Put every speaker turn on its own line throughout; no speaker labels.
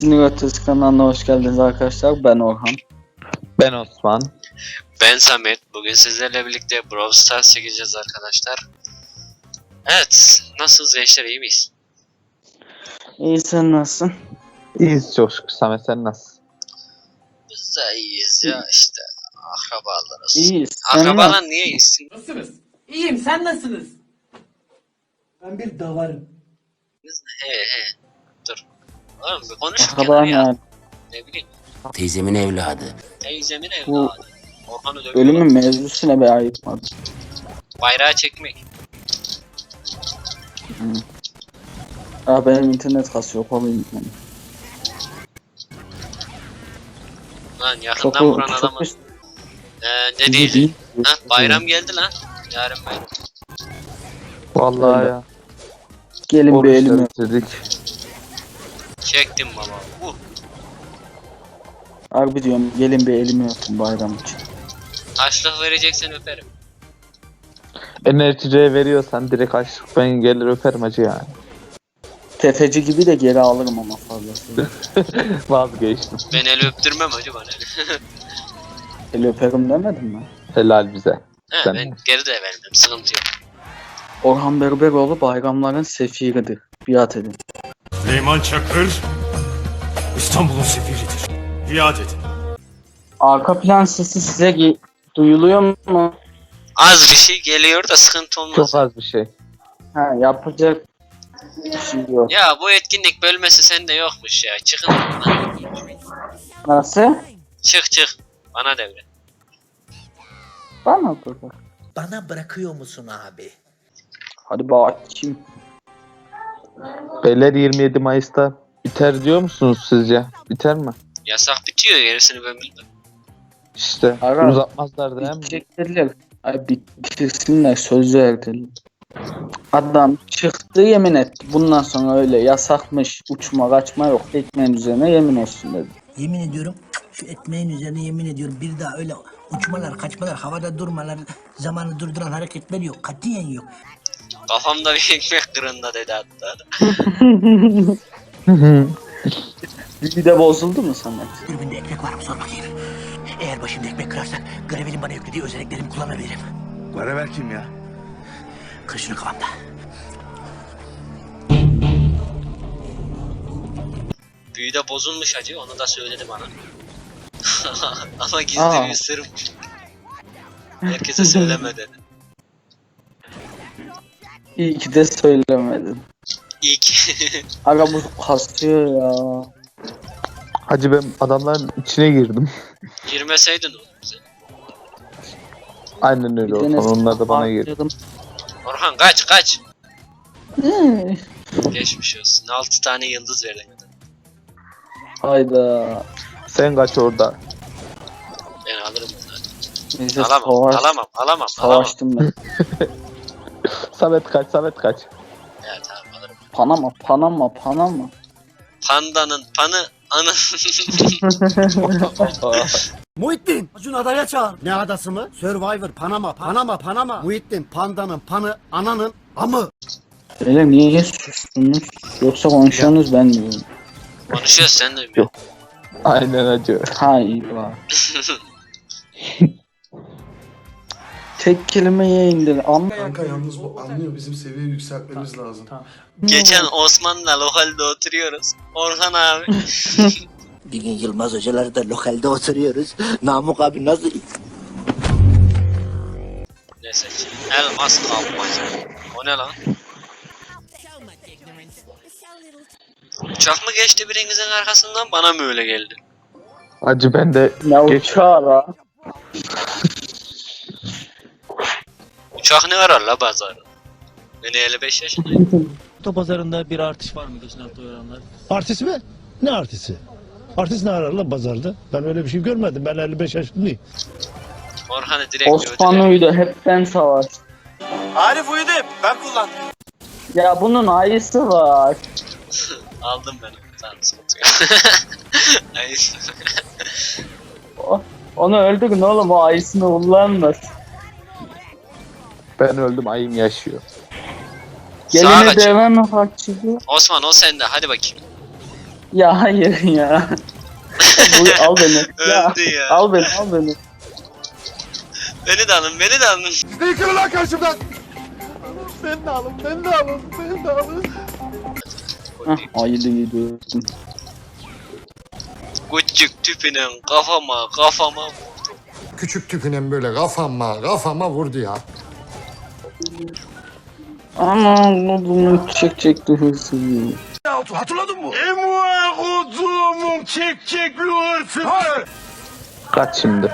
Sinir Ötesi kanalına hoş geldiniz arkadaşlar. Ben Orhan.
Ben Osman.
Ben Samet. Bugün sizlerle birlikte Brawl Stars çekeceğiz arkadaşlar. Evet. Nasılsınız gençler, iyi miyiz?
İyi, sen nasılsın?
İyiyiz çok şükür. Samet sen nasılsın?
Biz de iyiyiz ya işte. Akrabalarız.
İyiyiz. Sen
Akrabalar
nasılsın?
niye iyisin?
Nasılsınız? İyiyim, sen nasılsınız? Ben bir davarım.
He. Dur. Oğlum bir konuşurken
Akraban
ya.
yani.
Ne bileyim.
Teyzemin evladı.
Teyzemin
Bu
evladı. Orhan'ı dövüyorlar.
Bölümün mevzusuna be ayıkmadı.
Bayrağı çekmek.
Benim internet kasıyor. Kolayım yani.
Lan
Çok
yakından vuran adamı.
üst-
Ne değil? Ha, bayram geldi lan. Yarın bayram.
Vallahi
Öyle.
ya.
Gelin bir elimi.
Oruçları bitirdik.
Çektim baba.
Harbi diyorum, gelin bir elimi öpün bayram için.
Açlık vereceksen öperim.
Enerjiye veriyorsan direkt açlık ben gelir öperim acı yani.
Tefeci gibi de geri alırım ama fazlasıyla.
Vazgeçtim.
Ben el öptürmem hacı bana.
El öperim demedim mi?
Helal bize.
He,
Sen
ben
de.
geri de vermem. Sıkıntı yok.
Orhan Berberoğlu bayramların sefiridir. Biat edin.
Süleyman Çakır, İstanbul'un sefiridir. Biat edin.
Arka plan sesi size duyuluyor mu?
Az bir şey geliyor da sıkıntı olmaz.
Çok az bir şey.
Ha, yapacak bir şey yok.
Ya bu etkinlik bölmesi sende yokmuş ya. Çıkın lan.
Nasıl?
Çık. Bana devret.
Bana dur.
Bana bırakıyor musun abi?
Hadi bakayım.
Beyler 27 Mayıs'ta biter diyor musunuz sizce? Biter mi?
Yasak bitiyor, gerisini ben bilmem.
İşte
Ara.
uzatmazlar değil mi?
Bitecekler. Ay bitirsinler, söz verdiler. Adam çıktı, yemin etti. Bundan sonra öyle yasakmış, uçma kaçma yok. Ekmeğin üzerine yemin olsun dedi.
Yemin ediyorum şu ekmeğin üzerine yemin ediyorum bir daha öyle uçmalar, kaçmalar, havada durmalar, zamanı durduran hareketler yok. Katiyen yok.
Kafamda bir ekmek kırında dedi hatta.
Bir de bozuldu mu Samet?
Dürbünde ekmek var mı sor bakayım. Eğer başımda ekmek kırarsak Gravel'in bana yüklediği özelliklerimi kullanabilirim.
Gravel kim ya?
Kır şunu kafamda.
Büyüde bozulmuş hacı, onu da söyledi bana. Ama gizli
Aa.
bir sırmış. Herkese söyleme dedi.
İyi ki de söylemedin.
İlk.
Aga bu kasıyor ya.
Hacı ben adamların içine girdim.
Girmeseydin oğlum bize.
Aynen öyle olsun. Onlar da bana girdi.
harcadım.
Orhan kaç.
Hmm.
Geçmiş olsun. 6 tane yıldız verdin.
Hayda.
Sen kaç orada.
Ben alırım bunu.
Neyse
Alamam.
savaştım ben.
Samet kaç.
Evet tamam alırım.
Panama.
Pandanın panı anı.
Muhittin, Acun adaya çağır. Ne adası mı? Survivor, Panama. Muhittin, pandanın panı, ananın amı.
Öyle niye sustunuz? Yoksa konuşuyorsunuz ben diyorum.
Konuşuyoruz sen duymuyor.
Aynen hacı.
Ha iyi var. Tek kelimeyi indir.
Kanka yalnız bu anlıyor, bizim seviyeyi yükseltmemiz lazım.
Geçen Osman'la lokalde oturuyoruz. Orhan abi.
Bir gün Yılmaz hocalar da lokalde oturuyoruz. Namık abi nasıl?
Neyse ki. Elmas kapmaca. O ne lan? Uçak mı geçti birinizin arkasından, bana mı öyle geldi?
Hacı ben de
Ne uçağı la?
Uçak ne arar la pazarı? Ben 55 yaşındayım.
Oto pazarında bir artış var mı geçen hafta oranlar?
Artist mi? Ne artisti? Artist ne arar lan pazarda? Ben öyle bir şey görmedim. Ben 55 yaşındayım.
Orhan'ı direkt
Osman
ödüler.
uydu, hepten savaş.
Arif uyudu, ben kullandım.
Ya bunun ayısı var.
Aldım ben onu. Tamam sıkıntı yok. Ayıs.
Onu öldürün oğlum, o ayısını kullanmaz.
ben öldüm ayım yaşıyor.
Sağa
Gelini
kaçıyor.
deven kaçırdı.
Osman o sende, hadi bakayım.
Ya hayır ya. Bu, al beni. Ya,
Öldü ya.
al beni.
Beni de alın, beni de alın.
Yıkılın lan karşımdan.
Hah, ayılı gidiyorum.
Küçük tüpünün kafama.
Küçük tüpünen böyle kafama vurdu ya.
Aman bunu çekecekti hırsız.
Hatırladın mı?
Kaç şimdi.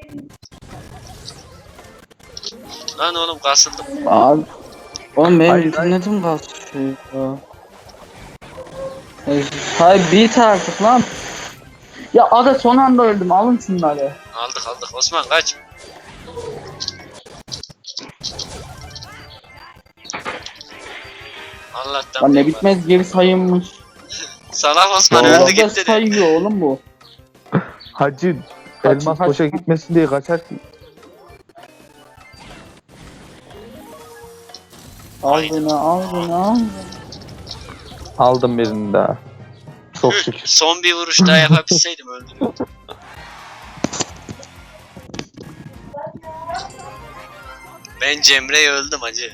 Lan oğlum kasıldım.
Abi. Oğlum benim
Hayır,
internetim kasıyor ya. Hayır bit artık lan. Ya ada son anda öldüm, alın şunları.
Aldık. Osman kaç. Allah'tan.
Lan ne
korkma.
bitmez geri sayılmış.
Salak Osman öldü
Orada
gitti de.
sayıyor oğlum bu.
Hacı
Kaç-
elmas
kaç-
boşa gitmesin diye kaçar ki.
Al beni.
Aldım birini daha. Çok şükür.
Son bir vuruş daha yapabilseydim öldüm. Ben Cemre'ye öldüm hacı.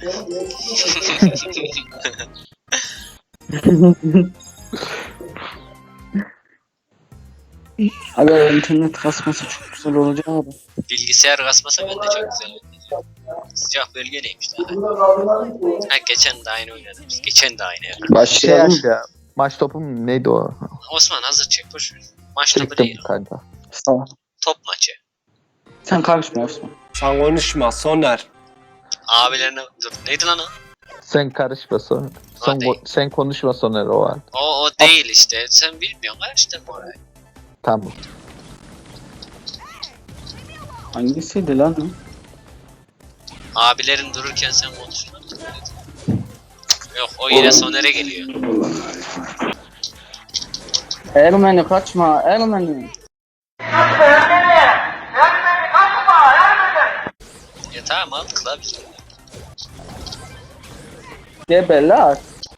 Abi internet kasması çok güzel olacak abi.
Bilgisayar kasmasa ben de çok güzel oynayacağım. Sıcak bölge neymiş daha? Ha geçen de aynı oynadım. Geçen de aynı yaptım.
Başlayalım.
Ya. Maç topum neydi o?
Osman hazır çek boş ver. Maç topu
Çektim
değil.
kanka.
Tamam.
Top maçı.
Sen karışma Osman.
Sen konuşma Soner.
Abilerine dur. Neydi lan o?
Sen karışma sonra.
Hadi.
Sen konuşma sonra o an.
O değil işte. Sen bilmiyorsun karıştırma orayı.
Tamam.
Hangisiydi lan o?
Abilerin dururken sen konuşma. Yok o yine Soner'e geliyor.
Ermeni kaçma Ermeni.
Ya tamam aldık la biz.
Gebeler.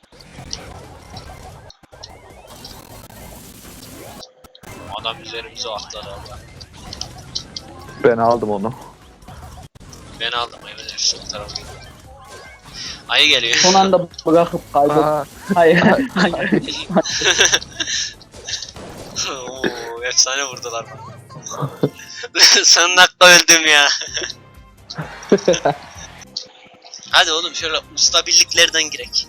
Adam üzerimize atladı Allah.
Ben aldım onu.
Ben aldım evet şu tarafa gidiyor. Ayı geliyor.
Son anda bırakıp kaybettim.
Aa,
Hayır.
Oo, efsane vurdular bana. Son dakika öldüm ya. Hadi oğlum şöyle usta birliklerden girek.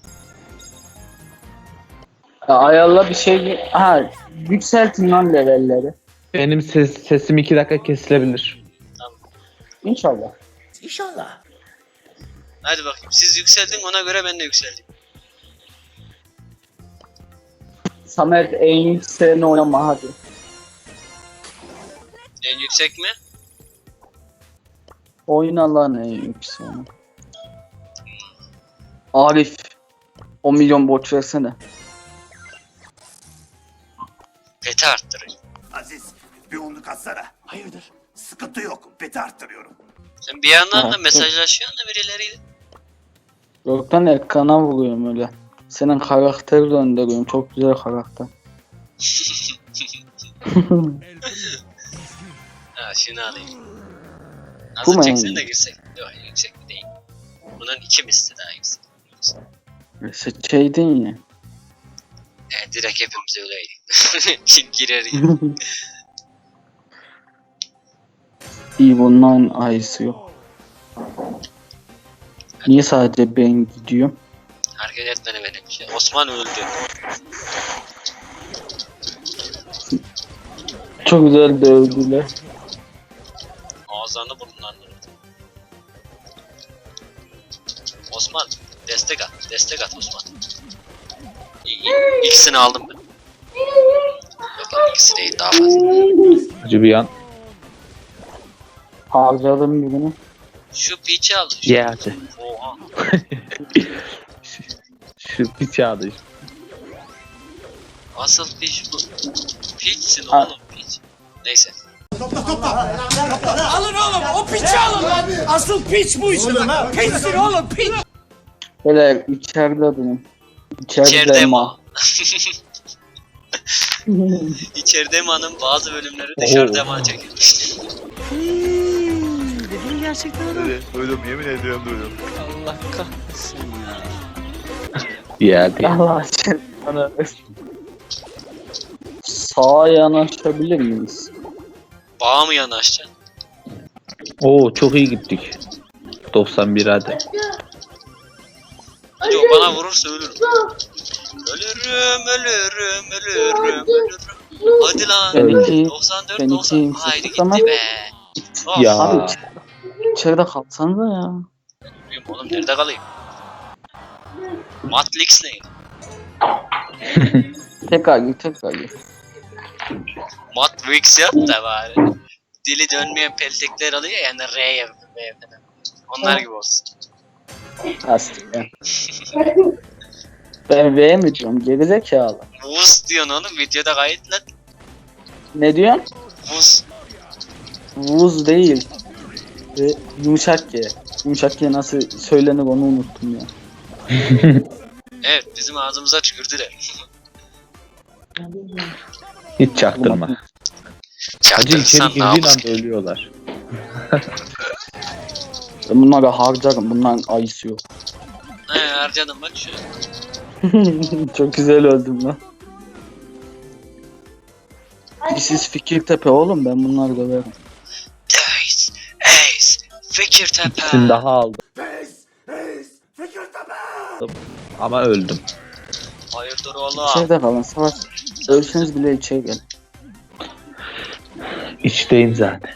Ayarla bir şey. Ha, yükseltin lan levelleri.
benim sesim 2 dakika kesilebilir.
İnşallah.
İnşallah.
Hadi bakayım siz yükseldin ona göre ben de yükseldim.
Samet en yükseğini oynama hadi.
En yüksek mi?
Oyna lan en yükseğini. Arif. 10 milyon borç versene.
Peti arttırayım.
Aziz bir onluk atsana. Hayırdır? Sıkıntı yok. Beti arttırıyorum.
Sen bir yandan da
Ha,
mesajlaşıyorsun da birileriyle.
Yoktan ekrana vuruyorum öyle. Senin karakteri döndürüyorum. Çok güzel karakter.
Ha şunu alayım.
Bu
Hazır
mu
çeksen
en
de
iyi?
girsek. Yok yüksek değil. Bunun 2 misli daha yüksek.
Seçeydin ya.
Direkt hepimiz öyleydik. Kim girer ya.
İyi bunların ayısı yok. Niye sadece ben gidiyorum?
Hareket etmene benim şey. Osman öldü.
Çok güzel dövdüler.
Ağızlarını burnlarını öldü. Osman destek at. Destek at Osman. İkisini aldım ben. Yok lan ikisi değil daha fazla.
Hacı bir an.
Harcadım birini.
Şu piçi al.
Ye hacı.
Oha.
Şu piç yağdı.
Asıl piç bu. Piçsin
Ha.
oğlum piç. Neyse.
Alın oğlum o piçi alın lan. Asıl piç bu işte. Piçsin oğlum piç.
Böyle içeride benim.
İçeride
İçeride
mi?
ma.
İçeride manın bazı bölümleri dışarıda man çekilmişti.
Dediğin gerçekten öyle.
Duydum, yemin ediyorum duydum.
Allah kahretsin ya.
Ya
Allah için. Sağa yanaşabilir miyiz?
Bağa mı yanaşacaksın?
Oo çok iyi gittik. 91 hadi.
Hadi o bana vurursa ölürüm. Ölürüm. Hadi lan.
Ben iki-
94,
ben
90.
ikiyim.
Haydi
Tamam.
gitti be. Oh,
Ya.
Abi içeride kalsanıza ya.
bilmiyorum oğlum nerede kalayım? Matrix ne?
Tekrar gir.
Matrix yap da bari. Dili dönmeyen peltekler alıyor yani R'ye B'ye falan. Onlar gibi olsun.
Aslında. Ben V mi diyorum? Gerizekalı.
Vuz diyorsun oğlum videoda kayıt lan.
Ne diyorsun?
Vuz.
Vuz değil. Yumuşak G. Yumuşak G nasıl söylenir onu unuttum ya.
Evet bizim ağzımıza tükürdüler.
Hiç çaktırma. Hacı içeri
Çaktırırsan
girdiğin
namus.
anda ölüyorlar.
Ben bunları harcarım. Bunların ayısı yok.
He harcadım bak şu.
Çok güzel öldüm lan. Siz Fikirtepe oğlum, ben bunları döverim.
Ace. Fikirtepe.
İkisini daha aldım.
Fikirtepe!
Ama öldüm.
Hayırdır oğlum?
İçeride kalın, savaş. Ölseniz bile içeri gelin.
İçteyim zaten.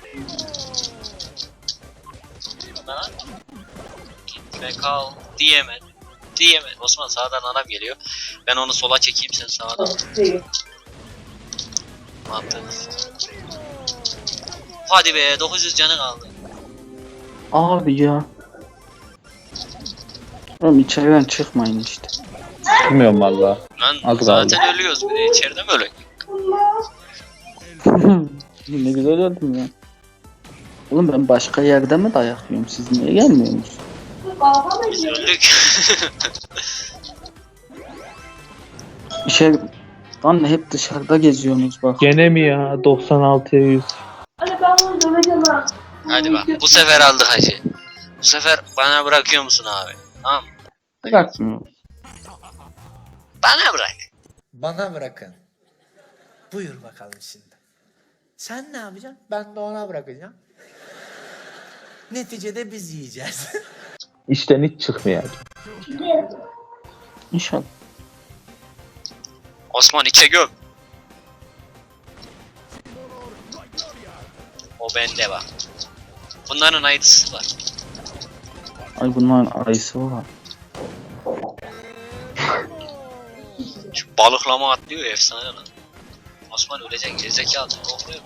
Gitme kal diyemedi. Osman sağdan adam geliyor. Ben onu sola çekeyim sen sağdan. Mantıklı. Hadi be 900 canı kaldı.
Abi ya. Oğlum içeriden çıkmayın işte.
Bilmiyorum valla.
Lan
Az
zaten ölüyoruz bir de içeride mi öyle?
Ne güzel öldüm ya. Oğlum ben başka yerde mi dayak yiyorum? Siz niye gelmiyorsunuz?
Biz öldük.
İçeri... Lan hep dışarıda geziyorsunuz bak.
Gene mi ya? 96'ya 100.
Hadi bak bu sefer aldık hacı. Bu sefer bana bırakıyor musun abi? Tamam.
Bırakmıyor.
Bana bırak.
Bana bırakın. Buyur bakalım şimdi. Sen ne yapacaksın? Ben de ona bırakacağım. Neticede biz yiyeceğiz.
İşten hiç çıkmıyor.
İnşallah.
Osman içe göm. O bende bak. Bunların aydısı var.
Ay bunların ayısı var.
Şu balıklama atlıyor ya efsane lan. Osman ölecek gerizekalı. Korkuyor.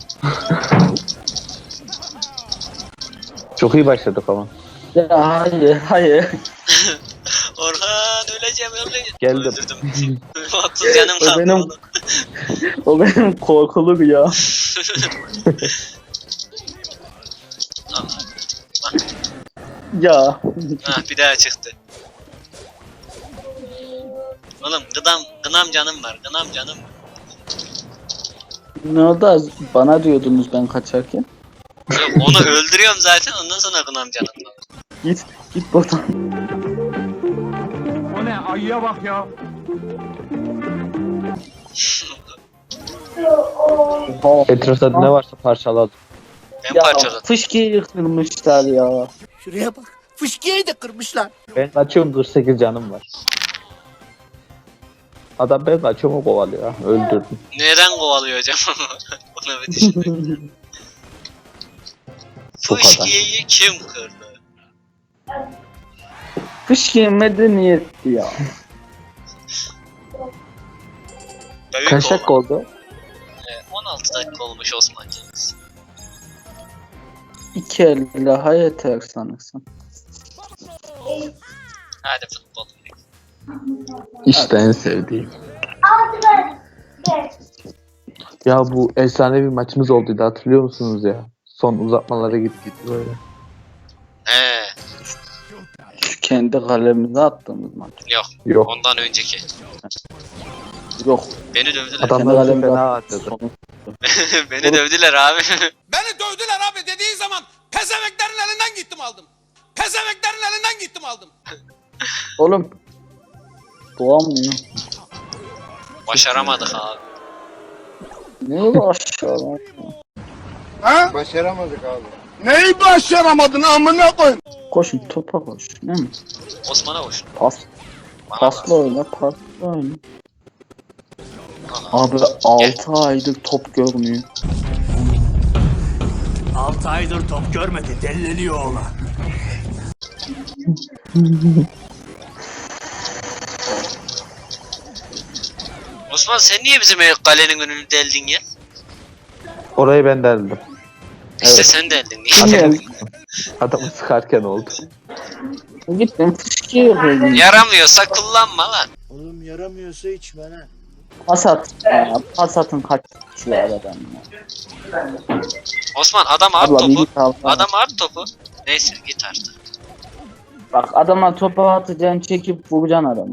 Çok iyi başladık ama.
Ya hayır.
Orhan öleceğim.
Geldim.
Öldürdüm. 30 canım
O
kaldı
benim-
oğlum.
O benim korkulu bir ya. Ya.
Hah bir daha çıktı. Oğlum gınam canım var. Gınam canım var.
Ne oldu az? Bana diyordunuz ben kaçarken.
Yok onu öldürüyorum zaten ondan sonra gınam canım var.
Git buradan.
O ne? Ayıya bak ya.
Etrafta ne varsa parçaladım.
Ben
Ya
parçaladım.
fışkiyi kırmışlar ya.
Şuraya bak. Fışkiyeyi de kırmışlar.
Ben kaçıyorum 48 canım var. Adam ben kaçıyorum o kovalıyor ha. Öldürdüm.
Neden kovalıyor hocam? Onu bir düşündüm.
Bu kadar.
Fışkiyeyi kim kırdı?
Fışkiye medeniyetti ya.
Büyük
Kaç
olan.
dakika oldu?
16 dakika olmuş Osman'cığımız.
2 el daha yeter sanırsam.
Hadi futbol.
İşte en sevdiğim. Ya bu efsane bir maçımız olduydu hatırlıyor musunuz ya? Son uzatmalara gittik böyle.
He,
Şu kendi kalemize attığımız maç.
yok
Yok.
ondan önceki.
Yok.
Beni dövdüler.
Adamlar bizi
Kendi
fena
kalemi
harcadı.
Beni dövdüler abi.
Beni dövdüler abi dediği zaman pezeveklerin elinden gittim aldım. Pezeveklerin elinden gittim aldım.
Oğlum. Doğamıyor.
Başaramadık abi.
Ne uğraşıyor?
Neyi başaramadın amına koy?
Koşun topa koş. Ne mi?
Osman'a koş.
Pas.
Bana
Pasla
bas.
oyna. Pasla oyna.
Aha.
Abi 6 aydır top görmüyor.
6 aydır top görmedi. Delleniyor oğlan.
Osman sen niye bizim kalenin önünü deldin ya?
Orayı ben deldim.
İşte
Evet.
sen deldin. Niye deldin?
Adamı sıkarken oldu.
Gittim fışkıyor böyle.
Yaramıyorsa kullanma lan.
Oğlum yaramıyorsa içme lan.
Pas at. Pas atın kaç kişi aradan ya.
Osman adam at
Abla bir
topu.
git al.
Adam at topu. Neyse git artık.
Bak adama topu atacaksın çekip vuracaksın adamı.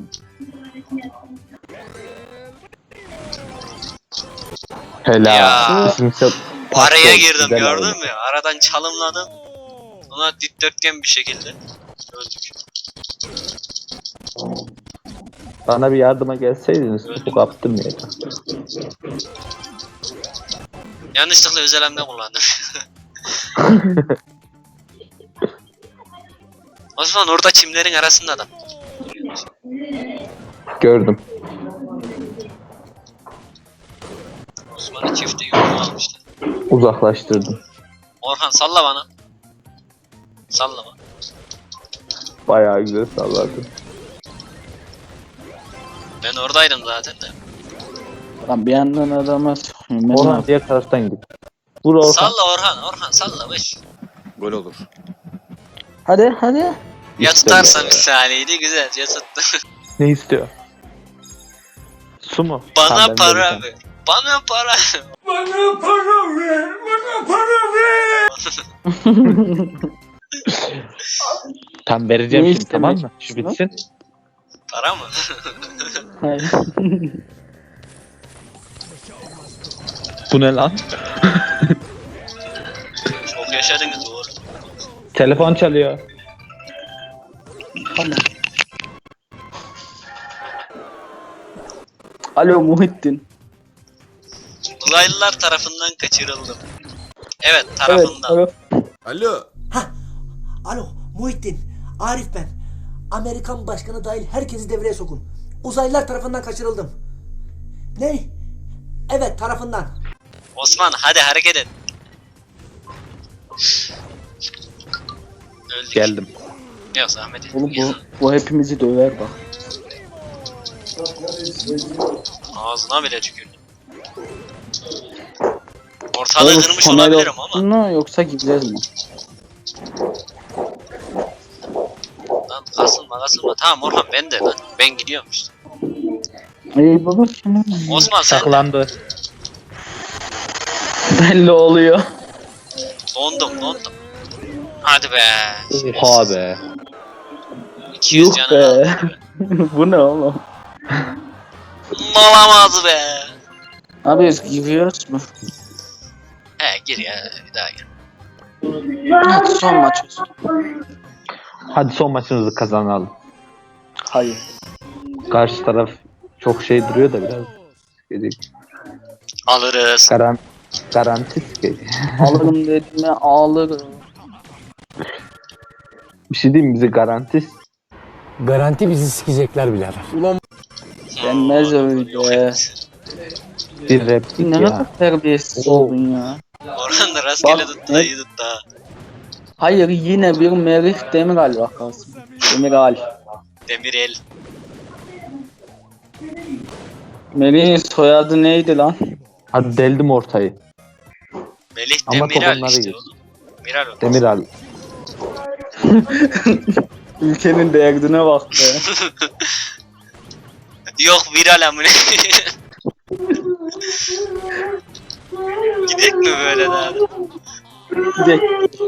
Helal.
Ya.
Bizimse
Araya
pas
girdim
güzel
gördün
oldu.
mü? Aradan çalımladım. Ona dikdörtgen bir şekilde öldük.
Bana bir yardıma gelseydiniz topu kaptım ya.
Yanlışlıkla özel hamle kullandım. Osman orada çimlerin arasında adam.
Gördüm.
Osman'ı çifte yumruğu almışlar.
Uzaklaştırdım.
Orhan salla bana. Sallama.
Bayağı güzel salladım.
Ben oradaydım zaten de.
Lan bir yandan adama sıkıyorum. Ben ne
Orhan
yapayım?
diğer taraftan git. Vur Orhan.
Salla Orhan salla beş.
Gol olur.
Hadi hadi.
Ya
İşte
tutarsan
ya.
bir saniyeydi güzel ya tuttu.
Ne istiyor? Su mu?
Bana
Tamam, ben
para
vereceğim.
ver. Bana para.
Bana para ver. Bana para ver.
Tam vereceğim
Ne
şimdi tamam
istemek
mı? Şu bitsin.
Para mı?
Hayır.
Bu ne lan?
Çok yaşadınız doğru.
Telefon çalıyor.
Tamam. Alo Muhittin.
Uzaylılar tarafından kaçırıldım. Evet
Evet.
tarafından.
Evet.
Alo.
Alo Muhittin, Arif ben. Amerikan başkanı dahil herkesi devreye sokun. Uzaylılar tarafından kaçırıldım. Ne? Evet tarafından.
Osman hadi hareket et. Öldük.
Geldim.
Yok zahmet et.
Oğlum bu hepimizi döver bak.
Ağzına bile tükürdüm. Ortalığı kırmış
Soner
olabilirim ama.
olsun mu yoksa gideceğiz mi?
Lan kasılma. Tamam Orhan ben de lan. Ben gidiyorum işte.
Ey baba şimdi
Osman sen de.
Saklandı.
belli oluyor.
Dondum. Hadi be.
Oha be.
200
Yuh
canı aldı.
be. Bu ne oğlum?
Olamaz be.
Abi biz giriyoruz mu?
He gir ya bir daha gir.
Hadi son maç olsun.
Hadi son maçımızı kazanalım.
Hayır.
Karşı taraf çok şey duruyor da biraz.
Alırız.
Garanti ki.
Alırım dediğime ağlarım.
Bir şey diyeyim mi? Bize garanti.
Garanti bizi sikecekler birader.
Denmez öyle.
Yok et.
Bir replik
Ne
ya.
kadar terbiyesiz
Oo.
oldun ya.
Orhan da rastgele
Bak,
tuttu da iyi tuttu ha.
Hayır yine bir Merih Demiral vakası. Demiral.
Demirel.
Merih'in soyadı neydi lan?
Hadi deldim ortayı.
Melih
Ama
Demiral
topunları
işte
geç.
oğlum. Miral o.
Demiral.
Ülkenin derdine bak be.
Yok viral amına. Gidek mi böyle daha?
Gidelim.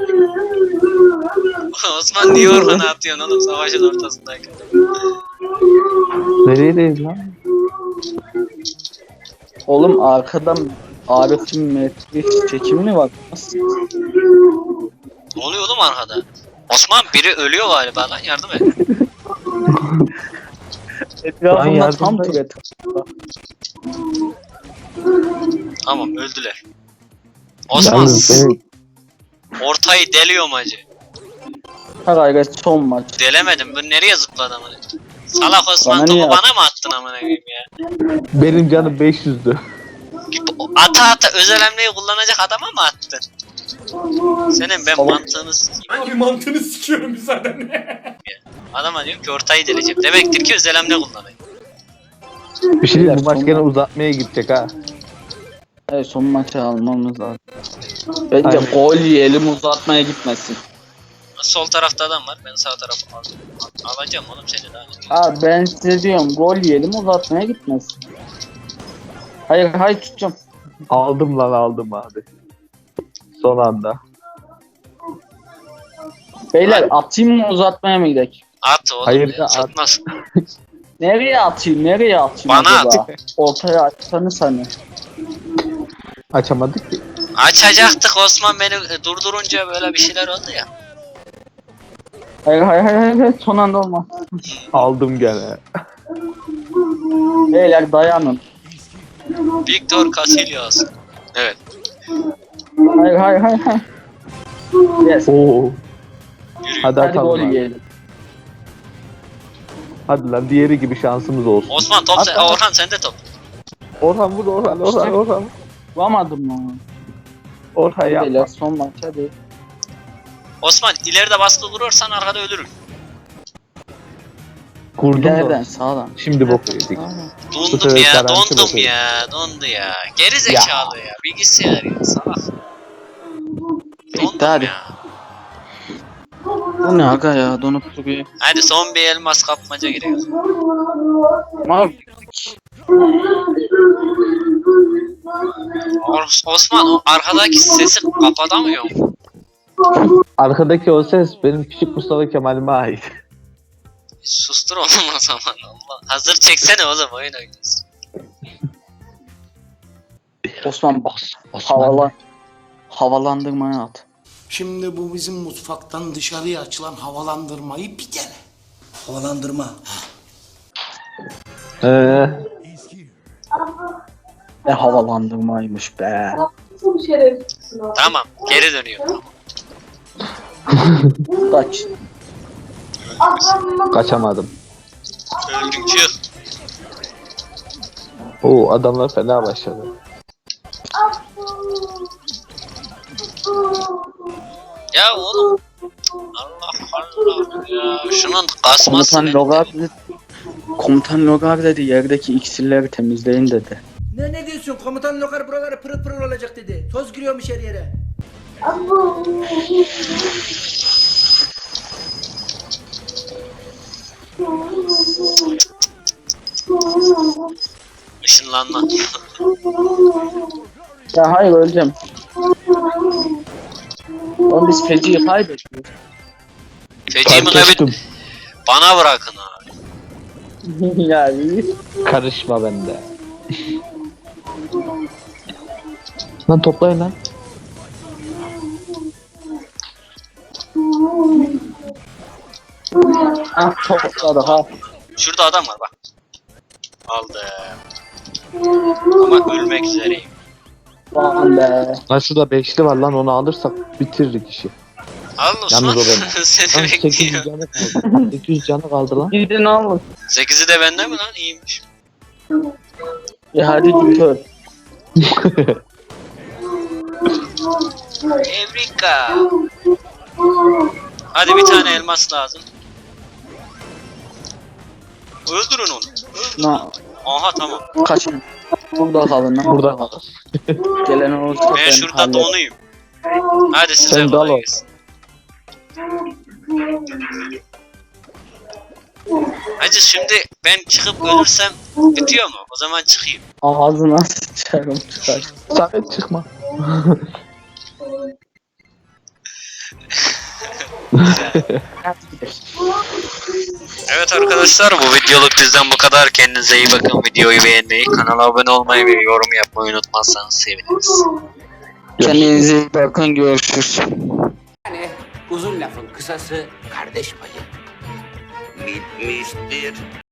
Osman niye Orhan'a atıyorsun oğlum savaşın ortasındayken?
Neredeyiz lan?
Oğlum arkadan Arif'in metrik çekimi mi var? Nasıl?
Ne oluyor oğlum arkada? Osman biri ölüyor galiba lan, yardım et.
Etrafımda
yardım
tam
edeyim.
türet.
Tamam, öldüler. Osman
Yalnız benim
ortayı deliyorum hacı.
Ha gayret son maç.
Delemedim, bu nereye zıpladı amına? Salak Osman,
Bana
topu
niye
bana mı attın amına koyayım ya?
benim canım 500'dü.
Ata özel hamleyi kullanacak adama mı attın? Senin ben mantığını sikeyim.
Abi mantığını sikiyorum müsaaden.
Adama diyorum ki ortayı deleceğim. Demektir ki özel hamle kullanayım.
Bir şey diyeyim, bu maç
Son
gene
maç.
uzatmaya gidecek ha.
Evet son maçı almamız lazım. Bence
Aynen.
gol yiyelim uzatmaya gitmesin.
Sol tarafta adam var. Ben sağ tarafı alacağım oğlum seni daha.
Ha ben size diyorum gol yiyelim uzatmaya gitmesin. Hayır tutacağım.
Aldım lan, aldım abi. Son anda.
Beyler atayım mı uzatmaya mı gidelim?
At oğlum.
Hayır
ya,
da at.
satmaz.
Nereye atayım
Bana
acaba? Ortaya açsanız hani.
Açamadık ki.
Açacaktık, Osman beni durdurunca böyle bir şeyler oldu ya.
Hayır son anda olmaz.
Aldım gene.
Beyler dayanın.
Victor Casillas. Evet.
Hayır. Yes.
Oo.
Yürü.
Hadi
Hadi gol
atalım abi.
yiyelim.
Hadi lan, diğeri gibi şansımız olsun.
Osman top sen,
At.
Orhan sende top.
Orhan vur, Orhan.
Vuramadım lan.
Orhan yapma.
Beyler son maç hadi.
Osman ileride baskı kurursan arkada ölürüm.
Kurdum
İleriden
da.
sağdan.
Şimdi bok yedik.
Dondum
sefer
ya,
garanti
dondum
bakıyorum.
ya, dondu ya. Geri zekalı ya, bilgisayar ya, salak. Dondum
hadi.
ya.
Bu ne aga ya donup duruyor.
Hadi son bir elmas kapmaca giriyor.
Mal.
Osman o arkadaki sesi kapatamıyor mu?
Arkadaki o ses benim küçük Mustafa Kemal'ime ait.
Sustur oğlum o zaman, Allah. Hazır çeksene oğlum, oyun oynuyorsun.
Osman havalandırmaya at.
Şimdi bu bizim mutfaktan dışarıya açılan havalandırmayı bir dene. Havalandırma.
Ne havalandırmaymış be.
Tamam, geri dönüyor.
Kaç.
Kaçamadım.
Öldük, çık.
Oo, adamlar fena başladı.
Ya oğlum. Allah Allah ya. Şunun kasması
Komutan
ne?
Komutan Logar dedi yerdeki iksirleri temizleyin dedi.
Ne diyorsun? Komutan Lokar buraları pırıl pırıl olacak dedi. Toz giriyormuş her yere.
Işınlanma.
Ya hayır öleceğim. Oğlum biz feciyi kaybettik.
Feci mi
Kaçtım.
Bana bırakın abi.
Ya iyi.
Karışma bende. Lan toplayın lan.
Ah topladı ha.
Şurada adam var bak. Aldım. Ama ölmek üzereyim.
Aman be.
Lan şurada beşli var lan, onu alırsak bitirirdik işi.
Al Osman.
Yalnız o benim.
Seni
Lan 800
bekliyor.
canı kaldı. 800 canı kaldı lan.
Gidin alın.
8'i de bende mi lan? İyiymiş.
Ya hadi git öl.
Evrika. Hadi bir tane elmas lazım. Öldürün onu.
Na,
Aha tamam.
kaçın. Burada kalın lan.
Burada kaldı.
Gelen olursa
Ben şurada
hallederim.
donuyum. Hadi size
Sen
kolay
dal o.
gelsin. Hacı şimdi ben çıkıp ölürsem bitiyor mu? O zaman çıkayım.
Ağzına sıçarım çıkar.
Samet çıkma.
Hadi gidelim.
Evet arkadaşlar, bu videoluk bizden bu kadar. Kendinize iyi bakın. Videoyu beğenmeyi, kanala abone olmayı ve yorum yapmayı unutmazsanız seviniriz.
Kendinize iyi bakın, görüşürüz.
Yani uzun lafın kısası kardeş payı. Bitmiştir.